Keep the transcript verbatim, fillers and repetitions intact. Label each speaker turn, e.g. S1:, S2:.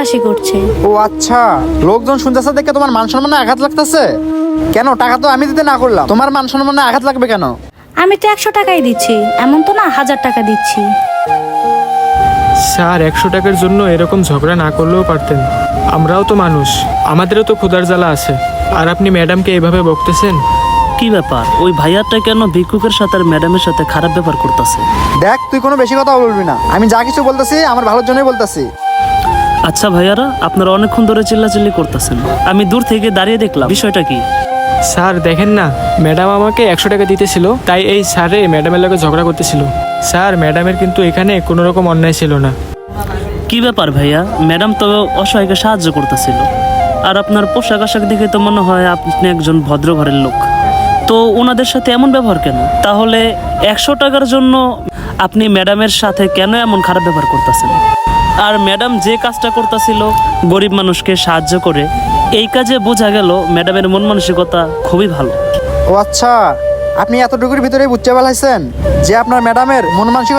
S1: হাসাহাসি করছে।
S2: ও আচ্ছা, লোকজন শুনতেছে দেখে তোমার মান সম্মানে আঘাত লাগতেছে কেন? টাকা তো আমি দিতে না করলাম, তোমার মান সম্মানে আঘাত লাগবে কেন?
S1: আমি তো একশো টাকাই দিচ্ছি, এমন তো না হাজার টাকা দিচ্ছি।
S3: স্যার, একশো টাকার জন্য এরকম ঝগড়া না করলেও পারতেন। আমরাও তো মানুষ, আমাদেরও তো ক্ষুধার জ্বালা আছে। আর আপনি ম্যাডামকে এভাবে বকতেছেন।
S4: কি ব্যাপার, ওই ভাইয়াটা কেন ভিক্ষুকের সাথে আর ম্যাডামের সাথে খারাপ ব্যবহার করতেছে?
S2: দেখ, তুই কোনো বেশি কথা বলবি না, আমি যা কিছু বলতেছি আমার ভালোর জন্যই বলতেছি।
S4: আচ্ছা ভাইয়ারা, আপনারা অনেকক্ষণ ধরে চিল্লাচিল্লি করতেছেন, আমি দূর থেকে দাঁড়িয়ে দেখলাম, বিষয়টা কি?
S3: স্যার দেখেন না, ম্যাডাম আমাকে একশো টাকা দিতেছিল, তাই এই স্যারে ম্যাডামের লগে ঝগড়া করতেছিল। স্যার, ম্যাডামের কিন্তু এখানে কোনো রকম অন্যায় ছিল না।
S4: কি ব্যাপার ভাইয়া, ম্যাডাম তো অসহায়কে সাহায্য করতেছিল, আর আপনার পোশাক আশাক দেখে তো মনে হয় আপনি একজন ভদ্র ঘরের লোক, তো ওনাদের সাথে এমন ব্যবহার কেন? তাহলে একশো টাকার জন্য আপনি ম্যাডামের সাথে কেন এমন খারাপ ব্যবহার করতেছেন? আর ম্যাডাম যে কাজটা করতেছিল গরিব মানুষকে সাহায্য করে, এই কাজে বোঝা গেল ম্যাডামের মন মানসিকতা খুবই ভালো।
S2: ও আচ্ছা, আপনি এতটুকুর ভিতরে বুঝতে পারছেন যে আপনার ম্যাডামের মন মানসিকতা